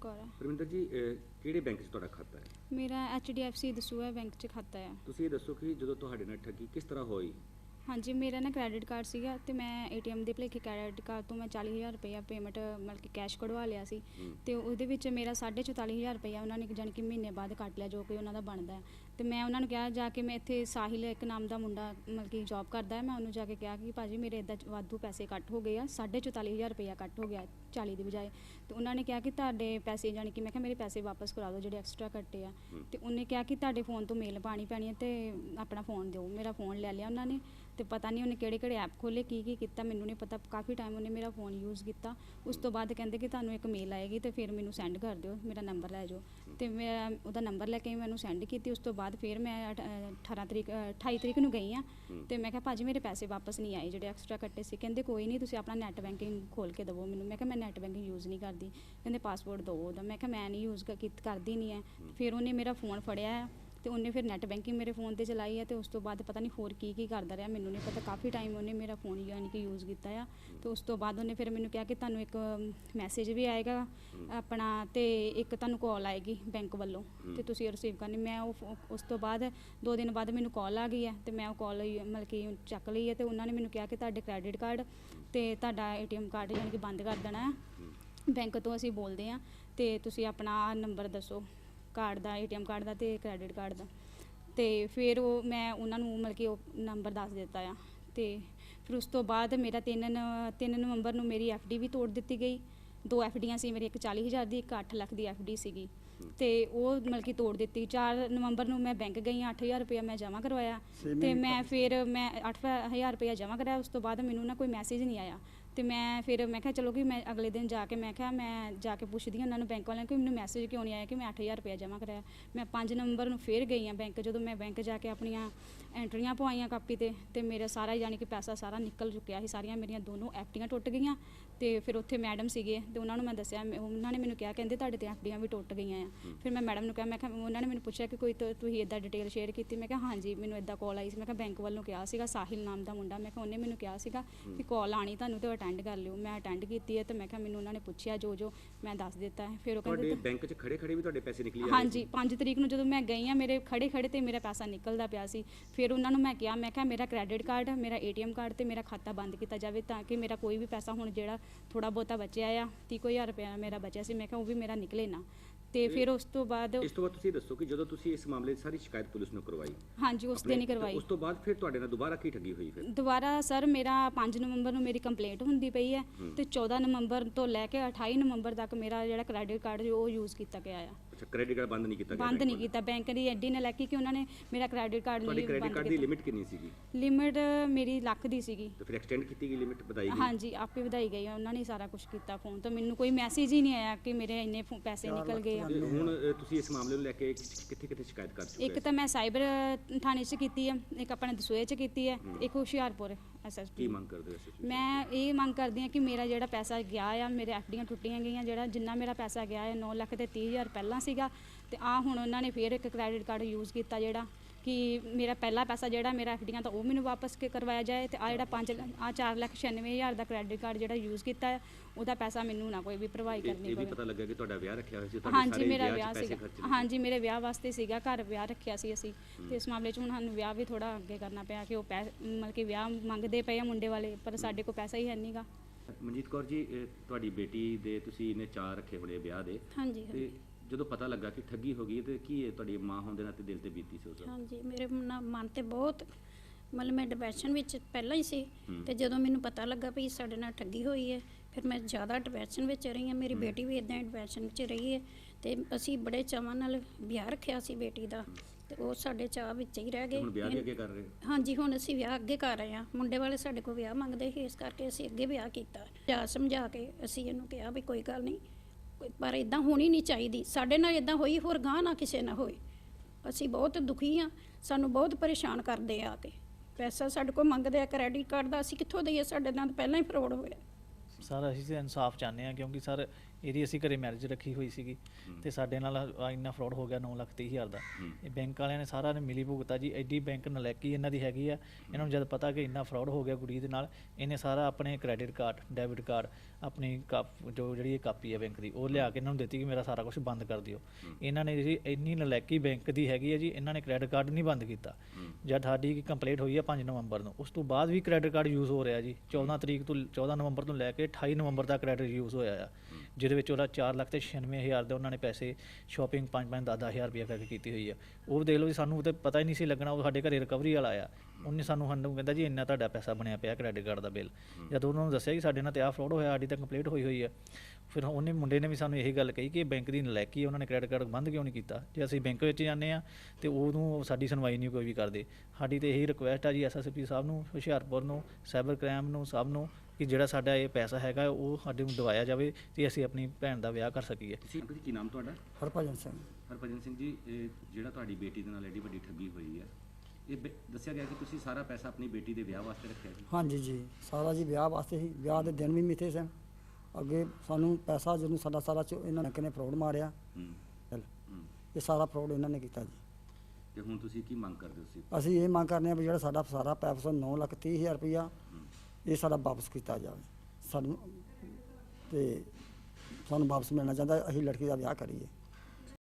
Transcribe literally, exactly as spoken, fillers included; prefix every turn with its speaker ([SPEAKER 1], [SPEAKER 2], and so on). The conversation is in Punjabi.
[SPEAKER 1] ਕੌਰ ਹੈ।
[SPEAKER 2] ਪਰਮਿੰਦਰ ਜੀ ਅਹ, ਕਿਹੜੇ ਬੈਂਕ 'ਚ ਤੁਹਾਡਾ ਖਾਤਾ ਹੈ?
[SPEAKER 1] ਮੇਰਾ H D F C Dasuya bank 'ਚ ਖਾਤਾ ਹੈ।
[SPEAKER 2] ਤੁਸੀਂ ਇਹ ਦੱਸੋ ਕਿ ਜਦੋਂ ਤੁਹਾਡੇ ਨਾਲ ਠੱਗੀ ਕਿਸ ਤਰ੍ਹਾਂ ਹੋਈ?
[SPEAKER 1] ਹਾਂਜੀ, ਮੇਰਾ ਨਾ ਕ੍ਰੈਡਿਟ ਕਾਰਡ ਸੀਗਾ ਤੇ ਮੈਂ ਏ ਟੀ ਐਮ ਦੇ ਭੁਲੇਖੇ ਕ੍ਰੈਡਿਟ ਕਾਰਡ ਤੋਂ ਮੈਂ ਚਾਲੀ ਹਜ਼ਾਰ ਰੁਪਈਆ ਪੇਮੈਂਟ ਮਤਲਬ ਕਿ ਕੈਸ਼ ਕਢਵਾ ਲਿਆ ਸੀ
[SPEAKER 2] ਹੂੰ।
[SPEAKER 1] ਤੇ ਉਹਦੇ ਵਿੱਚ ਮੇਰਾ ਸਾਢੇ ਚੁਤਾਲੀ ਹਜ਼ਾਰ ਰੁਪਈਆ ਉਹਨਾਂ ਨੇ ਜਾਣੀ ਕਿ ਮਹੀਨੇ ਬਾਅਦ ਕੱਟ ਲਿਆ, ਜੋ ਕਿ ਉਹਨਾਂ ਦਾ ਬਣਦਾ ਹੈ। ਤੇ ਮੈਂ ਉਹਨਾਂ ਨੂੰ ਕਿਹਾ ਜਾ ਕੇ, ਮੈਂ ਇੱਥੇ ਸਾਹਿਲ ਇੱਕ ਨਾਮ ਦਾ ਮੁੰਡਾ ਮਤਲਬ ਕਿ ਜੌਬ ਕਰਦਾ ਹੈ, ਮੈਂ ਉਹਨੂੰ ਜਾ ਕੇ ਕਿਹਾ ਕਿ ਭਾਜੀ ਮੇਰੇ ਇੱਦਾਂ ਵਾਧੂ ਪੈਸੇ ਕੱਟ ਹੋ ਗਏ ਆ, ਸਾਢੇ ਚੁਤਾਲੀ ਹਜ਼ਾਰ ਰੁਪਈਆ ਕੱਟ ਹੋ ਗਿਆ ਚਾਲੀ ਦੀ ਬਜਾਏ। ਤੇ ਉਹਨਾਂ ਨੇ ਕਿਹਾ ਕਿ ਤੁਹਾਡੇ ਪੈਸੇ ਜਾਣੀ ਕਿ ਮੈਂ ਕਿਹਾ ਮੇਰੇ ਪੈਸੇ ਵਾਪਸ ਕਰਾ ਦਿਓ ਜਿਹੜੇ ਐਕਸਟਰਾ ਕੱਟੇ ਆ।
[SPEAKER 2] ਹੂੰ।
[SPEAKER 1] ਤੇ ਉਹਨੇ ਕਿਹਾ ਕਿ ਤੁਹਾਡੇ ਫ਼ੋਨ ਤੋਂ ਮੇਲ ਪਾਣੀ ਪੈਣੀ ਹੈ ਤੇ ਆਪਣਾ ਫ਼ੋਨ ਦਿਓ। ਮੇਰਾ ਫ਼ੋਨ ਲੈ ਲਿਆ ਉਹਨਾਂ ਨੇ ਤੇ ਪਤਾ ਨਹੀਂ ਉਹਨੇ ਕਿਹੜੇ ਕਿਹੜੇ ਐਪ ਖੋਲ੍ਹੇ, ਕੀ ਕੀ ਕੀਤਾ ਮੈਨੂੰ ਨਹੀਂ ਪਤਾ। ਕਾਫੀ ਟਾਈਮ ਉਹਨੇ ਮੇਰਾ ਫ਼ੋਨ ਯੂਜ਼ ਕੀਤਾ। ਉਸ ਤੋਂ ਬਾਅਦ ਕਹਿੰਦੇ ਕਿ ਤੁਹਾਨੂੰ ਇੱਕ ਮੇਲ ਆਏਗੀ ਤੇ ਫਿਰ ਮੈਨੂੰ ਸੈਂਡ ਕਰ ਦਿਓ, ਮੇਰਾ ਨੰਬਰ ਲੈ ਜਾਓ। ਤੇ ਮੈਂ ਉਹਦਾ ਨੰਬਰ ਲੈ ਕੇ ਮੈਨੂੰ ਸੈਂਡ ਕੀਤੀ। ਉਸ ਤੋਂ ਬਾਅਦ ਫਿਰ ਮੈਂ ਅਠਾਰਾਂ ਤਰੀਕ ਅਠਾਈ ਤਰੀਕ ਨੂੰ ਗਈ ਹਾਂ ਤੇ ਮੈਂ ਕਿਹਾ ਭਾਜੀ ਮੇਰੇ ਪੈਸੇ ਵਾਪਸ ਨਹੀਂ ਆਏ ਜਿਹੜੇ ਐਕਸਟਰਾ ਕੱਟੇ ਸੀ। ਕਹਿੰਦੇ ਕੋਈ ਨਹੀਂ, ਤੁਸੀਂ ਆਪਣਾ ਨੈੱਟ ਬੈਂਕਿੰਗ ਖੋਲ੍ਹ ਕੇ ਦੇਵੋ ਮੈਨੂੰ। ਮੈਂ ਕਿਹਾ ਮੈਂ ਨੈੱਟ ਬੈਂਕਿੰਗ ਯੂਜ਼ ਨਹੀਂ ਕਰਦੀ। ਕਹਿੰਦੇ ਪਾਸਵਰਡ ਦਿਓ ਉਹਦਾ। ਮੈਂ ਕਿਹਾ ਮੈਂ ਨਹੀਂ ਯੂਜ਼ ਕਰਦੀ ਨਹੀਂ ਹੈ। ਫਿਰ ਉਹਨੇ ਮੇਰਾ ਫ਼ੋਨ ਫੜਿਆ ਤੇ ਉਹਨੇ ਫਿਰ ਨੈੱਟ ਬੈਂਕਿੰਗ ਮੇਰੇ ਫ਼ੋਨ 'ਤੇ ਚਲਾਈ ਹੈ ਤੇ ਉਸ ਤੋਂ ਬਾਅਦ ਪਤਾ ਨਹੀਂ ਹੋਰ ਕੀ ਕੀ ਕਰਦਾ ਰਿਹਾ, ਮੈਨੂੰ ਨਹੀਂ ਪਤਾ। ਕਾਫੀ ਟਾਈਮ ਉਹਨੇ ਮੇਰਾ ਫ਼ੋਨ ਯਾਨੀ ਕਿ ਯੂਜ਼ ਕੀਤਾ ਆ। ਤੇ ਉਸ ਤੋਂ ਬਾਅਦ ਉਹਨੇ ਫਿਰ ਮੈਨੂੰ ਕਿਹਾ ਕਿ ਤੁਹਾਨੂੰ ਇੱਕ ਮੈਸੇਜ ਵੀ ਆਏਗਾ ਆਪਣਾ ਤੇ ਇੱਕ ਤੁਹਾਨੂੰ ਕਾਲ ਆਏਗੀ ਬੈਂਕ ਵੱਲੋਂ ਤੇ ਤੁਸੀਂ ਰਿਸੀਵ ਕਰਨੀ। ਮੈਂ ਉਹ ਉਸ ਤੋਂ ਬਾਅਦ ਦੋ ਦਿਨ ਬਾਅਦ ਮੈਨੂੰ ਕਾਲ ਆ ਗਈ ਹੈ ਤੇ ਮੈਂ ਉਹ ਕਾਲ ਮਤਲਬ ਕਿ ਚੱਕ ਲਈ ਹੈ ਤੇ ਉਹਨਾਂ ਨੇ ਮੈਨੂੰ ਕਿਹਾ ਕਿ ਤੁਹਾਡੇ ਕ੍ਰੈਡਿਟ ਕਾਰਡ ਤੇ ਤੁਹਾਡਾ ਏ ਟੀ ਐਮ ਕਾਰਡ ਯਾਨੀ ਕਿ ਬੰਦ ਕਰ ਦੇਣਾ ਹੈ, ਬੈਂਕ ਤੋਂ ਅਸੀਂ ਬੋਲਦੇ ਹਾਂ ਤੇ ਤੁਸੀਂ ਆਪਣਾ ਨੰਬਰ ਦੱਸੋ ਕਾਰਡ ਦਾ, ਏ ਟੀ ਐਮ ਕਾਰਡ ਦਾ ਤੇ ਕ੍ਰੈਡਿਟ ਕਾਰਡ ਦਾ। ਤੇ ਫਿਰ ਉਹ ਮੈਂ ਉਹਨਾਂ ਨੂੰ ਮਤਲਬ ਕਿ ਉਹ ਨੰਬਰ ਦੱਸ ਦਿੱਤਾ ਆ। ਤੇ ਫਿਰ ਉਸ ਤੋਂ ਬਾਅਦ ਮੇਰਾ ਤਿੰਨ ਤਿੰਨ ਨਵੰਬਰ ਨੂੰ ਮੇਰੀ ਐਫ ਡੀ ਵੀ ਤੋੜ ਦਿੱਤੀ ਗਈ। ਦੋ ਐਫ ਡੀਆਂ ਸੀ ਮੇਰੀ, ਇੱਕ ਚਾਲੀ ਹਜ਼ਾਰ ਦੀ, ਇੱਕ ਅੱਠ ਲੱਖ ਦੀ ਐਫ ਡੀ ਸੀਗੀ ਤੇ ਉਹ ਮਤਲਬ ਕਿ ਤੋੜ ਦਿੱਤੀ। ਚਾਰ ਨਵੰਬਰ ਨੂੰ ਮੈਂ ਬੈਂਕ ਗਈ, ਅੱਠ ਹਜ਼ਾਰ ਰੁਪਇਆ ਮੈਂ ਜਮ੍ਹਾਂ ਕਰਵਾਇਆ ਤੇ ਮੈਂ ਫਿਰ ਮੈਂ ਅੱਠ ਹਜ਼ਾਰ ਰੁਪਇਆ ਜਮ੍ਹਾਂ ਕਰਾਇਆ। ਉਸ ਤੋਂ ਬਾਅਦ ਮੈਨੂੰ ਨਾ ਕੋਈ ਮੈਸੇਜ ਨਹੀਂ ਆਇਆ ਤੇ ਮੈਂ ਫਿਰ ਮੈਂ ਕਿਹਾ ਚਲੋ ਕਿ ਮੈਂ ਅਗਲੇ ਦਿਨ ਜਾ ਕੇ ਮੈਂ ਕਿਹਾ ਮੈਂ ਜਾ ਕੇ ਪੁੱਛਦੀ ਹਾਂ ਉਹਨਾਂ ਨੂੰ ਬੈਂਕ ਵਾਲਿਆਂ ਕਿ ਮੈਨੂੰ ਮੈਸੇਜ ਕਿਉਂ ਨਹੀਂ ਆਇਆ ਕਿ ਮੈਂ ਅੱਠ ਹਜ਼ਾਰ ਰੁਪਇਆ ਜਮ੍ਹਾਂ ਕਰਾਇਆ। ਮੈਂ ਪੰਜ ਨਵੰਬਰ ਨੂੰ ਫਿਰ ਗਈ ਹਾਂ ਬੈਂਕ। ਜਦੋਂ ਮੈਂ ਬੈਂਕ ਜਾ ਕੇ ਆਪਣੀਆਂ ਐਂਟਰੀਆਂ ਪਵਾਈਆਂ ਕਾਪੀ 'ਤੇ ਤੇ ਮੇਰਾ ਸਾਰਾ ਯਾਨੀ ਕਿ ਪੈਸਾ ਸਾਰਾ ਨਿਕਲ ਚੁੱਕਿਆ ਸੀ। ਸਾਰੀਆਂ ਮੇਰੀਆਂ ਦੋਨੋਂ ਐਫ ਡੀਆਂ ਟੁੱਟ ਗਈਆਂ ਤੇ ਫਿਰ ਉੱਥੇ ਮੈਡਮ ਸੀਗੇ ਤੇ ਉਹਨਾਂ ਨੂੰ ਮੈਂ ਦੱਸਿਆ, ਉਹਨਾਂ ਨੇ ਮੈਨੂੰ ਕਿਹਾ ਕਹਿੰਦੇ ਤੁਹਾਡੇ ਤੇ ਐਫ ਡੀਆਂ ਵੀ ਟੁੱਟ ਗਈਆਂ ਆ। ਫਿਰ ਮੈਂ ਮੈਡਮ ਨੂੰ ਕਿਹਾ, ਮੈਂ ਕਿਹਾ ਉਹਨਾਂ ਨੇ ਮੈਨੂੰ ਪੁੱਛਿਆ ਕਿ ਕੋਈ ਤੁਸੀਂ ਇੱਦਾਂ ਡਿਟੇਲ ਸ਼ੇਅਰ ਕੀਤੀ? ਮੈਂ ਕਿਹਾ ਹਾਂਜੀ, ਮੈਨੂੰ ਇੱਦਾਂ ਕਾਲ ਆਈ ਸੀ। ਮੈਂ ਕਿਹਾ ਬੈਂਕ ਵੱਲੋਂ ਕਿਹਾ ਸੀਗਾ, ਸਾਹਿਲ ਨਾਮ ਦਾ ਮੁੰਡਾ, ਮੈਂ ਕਿਹਾ ਉਹਨੇ ਮੈਨੂੰ ਕਿਹਾ ਸੀਗਾ ਕਿ ਕਾਲ ਆਣੀ ਤੁਹਾਨੂੰ ਤੇ ਅਟੈਂਡ ਕਰ ਲਿਓ। ਮੈਂ ਅਟੈਂਡ ਕੀਤੀ ਹੈ ਤੇ ਮੈਂ ਕਿਹਾ ਮੈਨੂੰ ਉਹਨਾਂ ਨੇ ਪੁੱਛਿਆ ਜੋ ਜੋ ਮੈਂ ਦੱਸ ਦਿੱਤਾ ਹੈ। ਫਿਰ ਉਹ ਕਹਿੰਦੇ
[SPEAKER 2] ਤੁਹਾਡੇ ਬੈਂਕ 'ਚ ਖੜੇ ਖੜੇ ਵੀ ਤੁਹਾਡੇ ਪੈਸੇ ਨਿਕਲੀ?
[SPEAKER 1] ਹਾਂਜੀ, ਪੰਜ ਤਰੀਕ ਨੂੰ ਜਦੋਂ ਮੈਂ ਗਈ ਹਾਂ ਮੇਰੇ ਖੜੇ ਖੜੇ ਤੇ ਮੇਰਾ ਪੈਸਾ ਨਿਕਲਦਾ ਪਿਆ ਸੀ। ਫਿਰ ਉਹਨਾਂ ਨੂੰ ਮੈਂ ਕਿਹਾ, ਮੈਂ ਕਿਹਾ ਮੇਰਾ ਕ੍ਰੈਡਿਟ ਕਾਰਡ, ਮੇਰਾ ਏ ਟੀ ਐਮ ਕਾਰਡ ਤੇ ਮੇਰਾ ਖਾਤਾ ਬੰਦ ਕੀਤਾ ਜਾਵੇ ਤਾਂ ਕਿ ਮੇਰਾ ਕੋਈ ਵੀ ਪੈਸਾ ਹੁਣ ਜਿਹੜਾ ਥੋੜ੍ਹਾ ਬਹੁਤਾ ਬਚਿਆ ਆ, ਤੀਹ ਕੁ ਹਜ਼ਾਰ ਰੁਪਇਆ ਮੇਰਾ ਬਚਿਆ ਸੀ, ਮੈਂ ਕਿਹਾ ਉਹ ਵੀ ਮੇਰਾ ਨਿਕਲੇ ਨਾ। ਤੇ ਫਿਰ ਉਸ ਤੋਂ ਬਾਅਦ
[SPEAKER 2] ਇਸ ਤੋਂ ਬਾਅਦ ਤੁਸੀਂ ਦੱਸੋ ਕਿ ਜਦੋਂ ਤੁਸੀਂ ਇਸ ਮਾਮਲੇ ਦੀ ਸਾਰੀ ਸ਼ਿਕਾਇਤ ਪੁਲਿਸ ਨੂੰ ਕਰਵਾਈ?
[SPEAKER 1] ਹਾਂਜੀ, ਉਸ ਦਿਨ ਹੀ ਕਰਵਾਈ।
[SPEAKER 2] ਉਸ ਤੋਂ ਬਾਅਦ ਫਿਰ ਤੁਹਾਡੇ ਨਾਲ ਦੁਬਾਰਾ ਕੀ ਠੱਗੀ ਹੋਈ? ਫਿਰ
[SPEAKER 1] ਦੁਬਾਰਾ ਸਰ ਮੇਰਾ ਪੰਜ ਨਵੰਬਰ ਨੂੰ ਮੇਰੀ ਕੰਪਲੇਂਟ ਹੁੰਦੀ ਪਈ ਹੈ ਤੇ ਚੌਦਾਂ ਨਵੰਬਰ ਤੋਂ ਲੈ ਕੇ ਅਠਾਈ ਨਵੰਬਰ ਤੱਕ ਮੇਰਾ ਜਿਹੜਾ ਕ੍ਰੈਡਿਟ ਕਾਰਡ ਉਹ ਯੂਜ਼ ਕੀਤਾ ਗਿਆ ਆ।
[SPEAKER 2] ਅੱਛਾ, ਕ੍ਰੈਡਿਟ ਕਾਰਡ ਬੰਦ ਨਹੀਂ ਕੀਤਾ ਗਿਆ?
[SPEAKER 1] ਬੰਦ ਨਹੀਂ ਕੀਤਾ। ਬੈਂਕ ਦੀ ਐਡੀ ਨਲਾਇਕੀ ਕਿ ਉਹਨਾਂ ਨੇ ਮੇਰਾ ਕ੍ਰੈਡਿਟ ਕਾਰਡ
[SPEAKER 2] ਤੁਹਾਡੀ
[SPEAKER 1] ਨਹੀਂ
[SPEAKER 2] ਕ੍ਰੈਡਿਟ
[SPEAKER 1] ਬੰਦ
[SPEAKER 2] ਕਾਰਡ ਦੀ ਲਿਮਿਟ ਕਿੰਨੀ ਸੀਗੀ?
[SPEAKER 1] ਲਿਮਿਟ ਮੇਰੀ ਲੱਖ ਦੀ ਸੀਗੀ।
[SPEAKER 2] ਤੇ ਫਿਰ ਐਕਸਟੈਂਡ ਕੀਤੀ ਗਈ ਲਿਮਿਟ, ਵਧਾਈ ਗਈ?
[SPEAKER 1] ਹਾਂਜੀ, ਆਪੇ ਵਧਾਈ ਗਈ ਆ, ਉਹਨਾਂ ਨੇ ਸਾਰਾ ਕੁਝ ਕੀਤਾ। ਫੋਨ ਤੋਂ ਮੈਨੂੰ ਕੋਈ ਮੈਸੇਜ ਹੀ ਨਹੀਂ ਆਇਆ ਕਿ ਮੇਰੇ ਇੰਨੇ ਫੋ- ਪੈਸੇ ਨਿਕਲ ਗਏ ਆ।
[SPEAKER 2] ਤੇ ਹੁਣ ਅ, ਤੁਸੀਂ ਇਸ ਮਾਮਲੇ ਨੂੰ ਲੈ ਕੇ ਕਿੱਥੇ ਕਿੱਥੇ ਸ਼ਿਕਾਇਤ ਕਰ ਚੁੱਕੇ?
[SPEAKER 1] ਇੱਕ ਤਾਂ ਮੈਂ ਸਾਈਬਰ ਥਾਣੇ 'ਚ ਕੀਤੀ ਹੈ, ਇੱਕ ਆਪਣੇ ਦਸੂਹੇ 'ਚ ਕੀਤੀ ਹੈ, ਇੱਕ ਹੁਸ਼ਿਆਰਪੁਰ ਐਸ ਐਸ
[SPEAKER 2] ਕੀ
[SPEAKER 1] ਪੀ।
[SPEAKER 2] ਮੰਗ ਕਰਦੇ ਹੋ ਐਸ ਐਸ ਪੀ?
[SPEAKER 1] ਮੈਂ ਇਹ ਮੰਗ ਕਰਦੀ ਹਾਂ ਕਿ ਮੇਰਾ ਜਿਹੜਾ ਪੈਸਾ ਗਿਆ ਆ, ਮੇਰੇ ਐਫ ਡੀਆਂ ਟੁੱਟੀਆਂ ਗਈਆਂ, ਜਿਹੜਾ ਜਿੰਨਾ ਮੇਰਾ ਪੈਸਾ ਗਿਆ ਹੈ ਨੌ ਲੱਖ ਤੇ ਤੀਹ ਹਜ਼ਾਰ ਪਹਿਲਾਂ ਸੀਗਾ ਤੇ ਆ ਹੁਣ ਉਹਨਾਂ ਨੇ ਫਿਰ ਇੱਕ ਕ੍ਰੈਡਿਟ ਕਾਰਡ ਯੂਜ਼ ਕੀਤਾ ਜਿਹੜਾ ਕਿ ਮੇਰਾ ਪਹਿਲਾ ਪੈਸਾ ਜਿਹੜਾ ਮੇਰਾ ਐਫ ਡੀਆਂ ਤਾਂ ਉਹ ਮੈਨੂੰ ਵਾਪਸ ਕੇ ਕਰਵਾਇਆ ਜਾਏ ਤੇ ਆ ਜਿਹੜਾ ਪੰਜ ਆ ਚਾਰ ਲੱਖ ਛਿਆਨਵੇਂ ਹਜ਼ਾਰ ਦਾ ਕ੍ਰੈਡਿਟ ਕਾਰਡ ਜਿਹੜਾ ਯੂਜ਼ ਕੀਤਾ ਹੈ ਉਹਦਾ ਪੈਸਾ ਮੈਨੂੰ ਨਾ ਕੋਈ ਵੀ ਪ੍ਰੋਵਾਈਡ ਕਰਨੀ
[SPEAKER 2] ਇਹ ਵੀ
[SPEAKER 1] ਪਵੇ।
[SPEAKER 2] ਪਤਾ ਲੱਗਾ ਕਿ ਤੁਹਾਡਾ ਵਿਆਹ ਰੱਖਿਆ ਹੋਇਆ ਸੀ, ਤੁਹਾਡੇ
[SPEAKER 1] ਹਾਂਜੀ,
[SPEAKER 2] ਸਾਰੇ
[SPEAKER 1] ਮੇਰਾ
[SPEAKER 2] ਵਿਆਹ 'ਚ
[SPEAKER 1] ਵਿਆਹ
[SPEAKER 2] ਪੈਸੇ
[SPEAKER 1] ਸੀਗਾ।
[SPEAKER 2] ਖਰਚ ਲਏ?
[SPEAKER 1] ਹਾਂਜੀ, ਮੇਰੇ ਵਿਆਹ ਵਾਸਤੇ ਸੀਗਾ, ਘਰ ਵਿਆਹ ਰੱਖਿਆ ਸੀ ਅਸੀਂ ਤੇ ਇਸ ਮਾਮਲੇ 'ਚ ਹੁਣ ਸਾਨੂੰ ਵਿਆਹ ਵੀ ਥੋੜਾ ਅੱਗੇ ਕਰਨਾ ਪਿਆ ਕਿ ਉਹ ਪੈ ਮਤਲਬ ਕਿ ਵਿਆਹ ਮੰਗਦੇ ਪਏ ਆ ਮੁੰਡੇ ਵਾਲੇ, ਪਰ ਸਾਡੇ ਕੋਲ ਪੈਸਾ ਹੀ ਹੈ ਨਹੀਂਗਾ।
[SPEAKER 2] ਮਨਜੀਤ ਕੌਰ ਜੀ, ਇਹ ਤੁਹਾਡੀ ਬੇਟੀ ਦੇ ਤੁਸੀਂ ਇਹਨੇ ਚਾਅ ਰੱਖੇ ਹੋਣੇ ਵਿਆਹ ਦੇ,
[SPEAKER 3] ਹਾਂਜੀ
[SPEAKER 2] ਤੇ ਜਦੋਂ ਪਤਾ ਲੱਗਾ ਕਿ ਠੱਗੀ ਹੋ ਗਈ ਤੇ ਕੀ ਇਹ ਤੁਹਾਡੀ ਮਾਂ ਹੋਣ ਦੇ ਨਾਤੇ ਦਿਲ ਤੇ ਬੀਤੀ ਸੀ ਉਸ ਵਕਤ?
[SPEAKER 3] ਹਾਂਜੀ, ਮੇਰੇ ਮਨ ਮਨ ਤੇ ਬਹੁਤ ਮਤਲਬ ਮੈਂ ਡਿਪਰੈਸ਼ਨ ਵਿੱਚ ਪਹਿਲਾਂ ਹੀ ਸੀ
[SPEAKER 2] ਹੂੰ।
[SPEAKER 3] ਤੇ ਜਦੋਂ ਮੈਨੂੰ ਪਤਾ ਲੱਗਾ ਵੀ ਸਾਡੇ ਨਾਲ ਠੱਗੀ ਹੋਈ ਹੈ ਫਿਰ ਮੈਂ ਜ਼ਿਆਦਾ ਡਿਪਰੈਸ਼ਨ ਵਿੱਚ ਰਹੀ ਹਾਂ। ਮੇਰੀ ਬੇਟੀ ਵੀ ਇਦਾਂ ਡਿਪਰੈਸ਼ਨ ਵਿੱਚ ਰਹੀ ਹੈ ਤੇ ਅਸੀਂ ਬੜੇ ਚਾਵਾਂ ਨਾਲ ਵਿਆਹ ਰੱਖਿਆ ਸੀ ਬੇਟੀ ਦਾ ਤੇ ਉਹ ਸਾਡੇ ਚਾਅ ਵਿੱਚ ਹੀ ਰਹਿ
[SPEAKER 2] ਤੇ
[SPEAKER 3] ਗਏ।
[SPEAKER 2] ਹੁਣ ਵਿਆਹ ਵੀ ਅੱਗੇ ਕਰ ਰਹੇ ਹੋ?
[SPEAKER 3] ਹਾਂਜੀ, ਹੁਣ ਅਸੀਂ ਵਿਆਹ ਅੱਗੇ ਕਰ ਰਹੇ ਹਾਂ। ਮੁੰਡੇ ਵਾਲੇ ਸਾਡੇ ਕੋਲ ਵਿਆਹ ਮੰਗਦੇ ਸੀ, ਇਸ ਕਰਕੇ ਅਸੀਂ ਅੱਗੇ ਵਿਆਹ ਕੀਤਾ। ਜਾ ਸਮਝਾ ਕੇ ਅਸੀਂ ਇਹਨੂੰ ਕਿਹਾ ਵੀ ਕੋਈ ਗੱਲ ਨਹੀਂ, ਕੋਈ ਪਰ ਇਦਾਂ ਹੋਣੀ ਨਹੀਂ ਚਾਹੀਦੀ। ਸਾਡੇ ਨਾਲ ਇਦਾਂ ਹੋਈ, ਹੋਰ ਗਾਂਹ ਨਾ ਕਿਸੇ ਨਾਲ ਹੋਏ। ਅਸੀਂ ਬਹੁਤ ਦੁਖੀ ਹਾਂ, ਸਾਨੂੰ ਬਹੁਤ ਪਰੇਸ਼ਾਨ ਕਰਦੇ ਆ ਕੇ। ਪੈਸਾ ਸਾਡੇ ਕੋਲ ਮੰਗਦੇ ਆ ਕ੍ਰੈਡਿਟ ਕਾਰਡ ਦਾ, ਅਸੀਂ ਕਿੱਥੋਂ ਦਈਏ? ਸਾਡੇ ਨਾਲ ਪਹਿਲਾਂ ਹੀ ਫਰੋਡ ਹੋਇਆ।
[SPEAKER 4] ਸਰ ਅਸੀਂ ਤਾਂ ਇਨਸਾਫ ਚਾਹੁੰਦੇ ਹਾਂ ਕਿਉਂਕਿ ਸਰ ਇਹਦੀ ਅਸੀਂ ਘਰੇ ਮੈਰਿਜ ਰੱਖੀ ਹੋਈ ਸੀਗੀ ਤੇ ਸਾਡੇ ਨਾਲ ਆਹ ਇੰਨਾ ਫਰਾਡ ਹੋ ਗਿਆ ਨੌ ਲੱਖ ਤੀਹ ਹਜ਼ਾਰ ਦਾ। ਇਹ ਬੈਂਕ ਵਾਲਿਆਂ ਨੇ ਸਾਰਾ ਨੇ ਮਿਲੀ ਭੁਗਤਾ ਜੀ, ਐਡੀ ਬੈਂਕ ਨਲਾਇਕੀ ਇਹਨਾਂ ਦੀ ਹੈਗੀ ਆ। ਇਹਨਾਂ ਨੂੰ ਜਦ ਪਤਾ ਕਿ ਇੰਨਾ ਫਰਾਡ ਹੋ ਗਿਆ ਕੁੜੀ ਦੇ ਨਾਲ, ਇਹਨੇ ਸਾਰਾ ਆਪਣੇ ਕ੍ਰੈਡਿਟ ਕਾਰਡ, ਡੈਬਿਟ ਕਾਰਡ, ਆਪਣੀ ਕਾਪ ਜੋ ਜਿਹੜੀ ਇਹ ਕਾਪੀ ਹੈ ਬੈਂਕ ਦੀ, ਉਹ ਲਿਆ ਕੇ ਇਹਨਾਂ ਨੂੰ ਦਿੱਤੀ ਕਿ ਮੇਰਾ ਸਾਰਾ ਕੁਝ ਬੰਦ ਕਰ ਦਿਓ। ਇਹਨਾਂ ਨੇ ਜੀ ਇੰਨੀ ਨਲਾਇਕੀ ਬੈਂਕ ਦੀ ਹੈਗੀ ਹੈ ਜੀ, ਇਹਨਾਂ ਨੇ ਕ੍ਰੈਡਿਟ ਕਾਰਡ ਨਹੀਂ ਬੰਦ ਕੀਤਾ। ਜਦ ਸਾਡੀ ਕੰਪਲੇਂਟ ਹੋਈ ਹੈ ਪੰਜ ਨਵੰਬਰ ਨੂੰ, ਉਸ ਤੋਂ ਬਾਅਦ ਵੀ ਕ੍ਰੈਡਿਟ ਕਾਰਡ ਯੂਜ਼ ਹੋ ਰਿਹਾ ਜੀ। ਚੌਦਾਂ ਤਰੀਕ ਤੋਂ ਚੌਦਾਂ ਨਵੰਬਰ ਤੋਂ ਲੈ ਕੇ ਅਠਾਈ ਨਵੰਬਰ ਦਾ ਕ੍ਰੈਡਿਟ ਯੂਜ਼ ਹੋਇਆ ਆ, ਜਿਹਦੇ ਵਿੱਚ ਉਹਦਾ ਚਾਰ ਲੱਖ ਤੇ ਛਿਆਨਵੇਂ ਹਜ਼ਾਰ ਦੇ ਉਹਨਾਂ ਨੇ ਪੈਸੇ ਸ਼ਾਪਿੰਗ ਪੰਜ ਪੰਜ ਦਸ ਦਸ ਹਜ਼ਾਰ ਰੁਪਏ ਕਰਕੇ ਕੀਤੀ ਹੋਈ ਆ। ਉਹ ਦੇਖ ਲਓ ਜੀ, ਸਾਨੂੰ ਤੇ ਪਤਾ ਹੀ ਨਹੀਂ ਸੀ ਲੱਗਣਾ। ਉਹ ਸਾਡੇ ਘਰੇ ਰਿਕਵਰੀ ਵਾਲਾ ਆ, ਉਹਨੇ ਸਾਨੂੰ ਸਾਨੂੰ ਕਹਿੰਦਾ ਜੀ ਇੰਨਾ ਤੁਹਾਡਾ ਪੈਸਾ ਬਣਿਆ ਪਿਆ ਕ੍ਰੈਡਿਟ ਕਾਰਡ ਦਾ ਬਿੱਲ। ਜਦੋਂ ਉਹਨਾਂ ਨੂੰ ਦੱਸਿਆ ਕਿ ਸਾਡੇ ਨਾਲ ਤੇ ਆਹ ਫਰਾਡ ਹੋਇਆ, ਸਾਡੀ ਤਾਂ ਕੰਪਲੇਂਟ ਹੋਈ ਹੋਈ ਆ, ਫਿਰ ਉਹਨੇ ਮੁੰਡੇ ਨੇ ਵੀ ਸਾਨੂੰ ਇਹੀ ਗੱਲ ਕਹੀ ਕਿ ਬੈਂਕ ਦੀ ਨਲਾਇਕੀ ਹੈ, ਉਹਨਾਂ ਨੇ ਕ੍ਰੈਡਿਟ ਕਾਰਡ ਬੰਦ ਕਿਉਂ ਨਹੀਂ ਕੀਤਾ। ਜੇ ਅਸੀਂ ਬੈਂਕ ਵਿੱਚ ਜਾਂਦੇ ਹਾਂ ਤੇ ਉਦੋਂ ਸਾਡੀ ਸੁਣਵਾਈ ਨਹੀਂ ਕੋਈ ਵੀ ਕਰਦੇ। ਸਾਡੀ ਤਾਂ ਇਹੀ ਰਿਕੁਐਸਟ ਆ ਜੀ ਐਸ ਐਸ ਪੀ ਸਾਹਿਬ ਨੂੰ, ਹੁਸ਼ਿਆਰਪੁਰ ਨੂੰ, ਸਾਈਬਰ ਕ੍ਰਾਈਮ ਨੂੰ, ਸਭ ਨੂੰ, ਕਿ ਜਿਹੜਾ ਸਾਡਾ ਇਹ ਪੈਸਾ ਹੈਗਾ ਉਹ ਸਾਡੇ ਨੂੰ ਦਿਵਾਇਆ ਜਾਵੇ ਤੇ ਅਸੀਂ ਆਪਣੀ ਭੈਣ ਦਾ ਵਿਆਹ ਕਰ ਸਕੀਏ।
[SPEAKER 2] ਤੁਸੀਂ ਅੰਕਲ ਜੀ ਕੀ ਨਾਮ ਤੁਹਾਡਾ?
[SPEAKER 5] ਹਰਭਜਨ ਸਿੰਘ।
[SPEAKER 2] ਹਰਭਜਨ ਸਿੰਘ ਜੀ, ਇਹ ਜਿਹੜਾ ਤੁਹਾਡੀ ਬੇਟੀ ਦੇ ਨਾਲ ਐਡੀ ਵੱਡੀ ਠੱਗੀ ਹੋਈ ਹੈ, ਇਹ ਬੇ- ਦੱਸਿਆ ਗਿਆ ਕਿ ਤੁਸੀਂ ਸਾਰਾ ਪੈਸਾ ਆਪਣੀ ਬੇਟੀ ਦੇ ਵਿਆਹ ਵਾਸਤੇ ਰੱਖਿਆ ਜੀ?
[SPEAKER 5] ਹਾਂਜੀ ਜੀ, ਸਾਰਾ ਜੀ ਵਿਆਹ ਵਾਸਤੇ ਹੀ, ਵਿਆਹ ਦੇ ਦਿਨ ਵੀ ਮਿੱਥੇ ਸਨ। ਅੱਗੇ ਸਾਨੂੰ ਪੈਸਾ ਜਦੋਂ ਸਾਡਾ ਸਾਰਾ ਚੋ ਇਹਨਾਂ ਨੇ ਕਿਨੇ ਫਰੋਡ ਮਾਰਿਆ।
[SPEAKER 2] ਹੂੰ
[SPEAKER 5] ਚੱਲ,
[SPEAKER 2] ਹੂੰ।
[SPEAKER 5] ਇਹ ਸਾਰਾ ਫਰੋਡ ਇਹਨਾਂ ਨੇ ਕੀਤਾ ਜੀ।
[SPEAKER 2] ਤੇ ਹੁਣ ਤੁਸੀਂ ਕੀ ਮੰਗ ਕਰਦੇ ਹੋ? ਤੁਸੀਂ
[SPEAKER 5] ਅਸੀਂ ਇਹ ਮੰਗ ਕਰਨੇ ਆ ਵੀ ਜਿਹੜਾ ਸਾਡਾ ਸਾਰਾ ਪੈਸਾ ਨੌ ਲੱਖ ਤੀਹ ਹਜ਼ਾਰ ਰੁਪਈਆ ਇਹ ਸਾਡਾ ਵਾਪਸ ਕੀਤਾ ਜਾਵੇ ਸਾਨੂੰ, ਤੇ ਸਾਨੂੰ ਵਾਪਸ ਮਿਲਣਾ ਚਾਹੁੰਦਾ। ਅਸੀਂ ਲੜਕੀ ਦਾ ਵਿਆਹ ਕਰੀਏ।